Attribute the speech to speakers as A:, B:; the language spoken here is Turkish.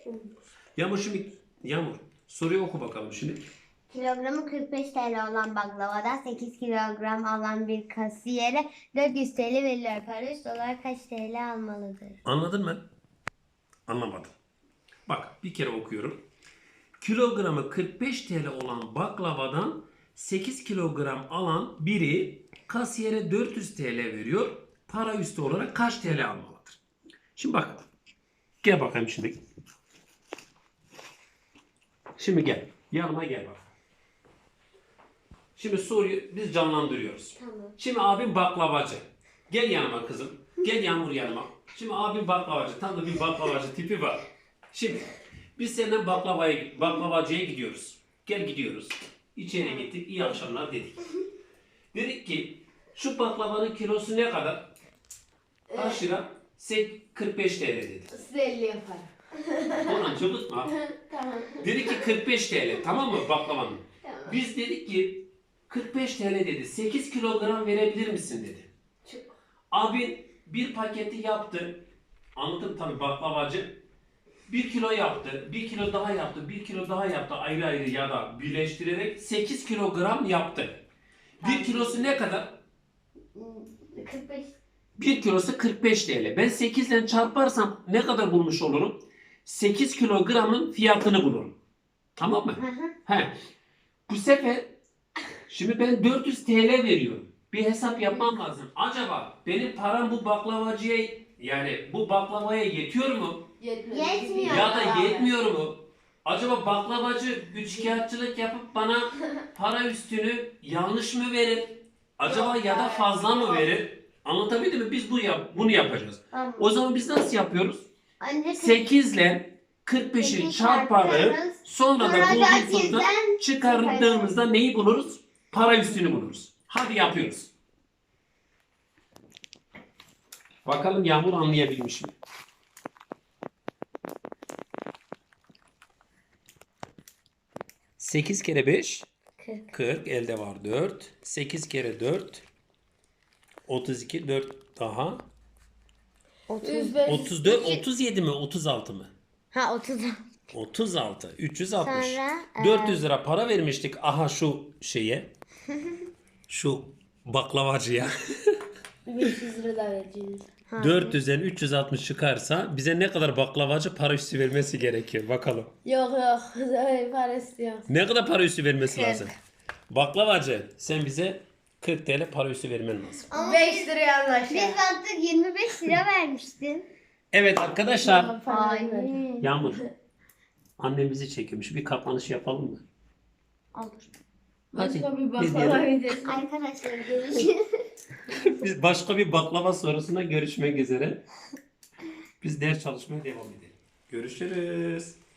A: Yağmur şimdi soruyu oku bakalım şimdi.
B: Kilogramı 45 TL olan baklavadan 8 kilogram alan bir kasiyere 400 TL veriliyor. Para üstü olarak kaç TL almalıdır?
A: Anladın mı? Anlamadım. Bak bir kere okuyorum. Kilogramı 45 TL olan baklavadan 8 kilogram alan biri kasiyere 400 TL veriyor. Para üstü olarak kaç TL almalıdır? Şimdi bak. Gel bakayım şimdi. Şimdi gel. Yanıma gel bak. Şimdi soruyu biz canlandırıyoruz.
B: Tamam.
A: Şimdi abim baklavacı. Gel yanıma kızım. Gel Yağmur yanıma. Şimdi abim baklavacı. Tam da bir baklavacı tipi var. Şimdi biz seninle baklavacıya gidiyoruz. Gel gidiyoruz. İçeri gittik. İyi akşamlar dedik. Dedik ki şu baklavanın kilosu ne kadar? Kaç lira? 45 TL dedi.
C: Size 50 yapar.
A: Ulan cıvıtma.
C: Tamam.
A: Dedi ki 45 TL. Tamam mı baklavanın?
C: Tamam.
A: Biz dedik ki 45 TL dedi. 8 kilogram verebilir misin dedi.
C: Çok.
A: Abin bir paketi yaptı. Anladım tabii baklavacı. 1 kilo yaptı. 1 kilo daha yaptı. 1 kilo daha yaptı. Ayrı ayrı ya da birleştirerek 8 kilogram yaptı. 1 kilosu ne kadar?
C: 45.
A: 1 kilosu 45 TL. Ben 8 ile çarparsam ne kadar bulmuş olurum? 8 kilogramın fiyatını bulurum. Tamam mı? He. Bu sefer şimdi ben 400 TL veriyorum. Bir hesap yapmam lazım. Acaba benim param bu baklavacıya yani bu baklavaya yetiyor mu?
C: Yetmiyor.
A: Ya da yetmiyor mu? Acaba baklavacı üçkağıtçılık yapıp bana para üstünü yanlış mı verir? Acaba ya da fazla mı verir? Anlatabildim mi? Biz bunu yapacağız.
B: Tamam.
A: O zaman biz nasıl yapıyoruz?
B: Önce
A: 8 ile 45'i çarparız. Sonra da bulduğumuzda çıkardığımızda neyi buluruz? Para üstünü buluruz. Hadi yapıyoruz. Bakalım Yağmur anlayabilmiş mi? 8 kere 5 40 elde var 4. 8 kere 4 32 4 daha
C: 105.
A: 34 37 mi 36 mı?
B: Ha 30.
A: 36 360
B: Sonra,
A: 400 lira para vermiştik aha şu şeye şu baklavacıya
C: 500 lira da vereceğiz.
A: 400'den 360 çıkarsa bize ne kadar baklavacı para üstü vermesi gerekiyor bakalım.
C: Yok. Para istiyor.
A: Ne kadar para üstü vermesi
B: 40.
A: lazım? Baklavacı sen bize 40 TL para üstü vermen lazım.
C: 5 liraya anlaşalım.
B: Biz baktık 25 lira vermiştin.
A: Evet arkadaşlar.
B: Aynen.
A: Yağmur. Annem bizi çekiyormuş. Bir kapanış yapalım mı?
B: Olur.
A: Hadi.
C: Başka bir
A: biz
C: baklava
A: diyelim.
C: videosu.
B: Arkadaşlar görüşürüz.
A: Biz başka bir baklava sorusuna görüşmek üzere. Biz ders çalışmaya devam edelim. Görüşürüz.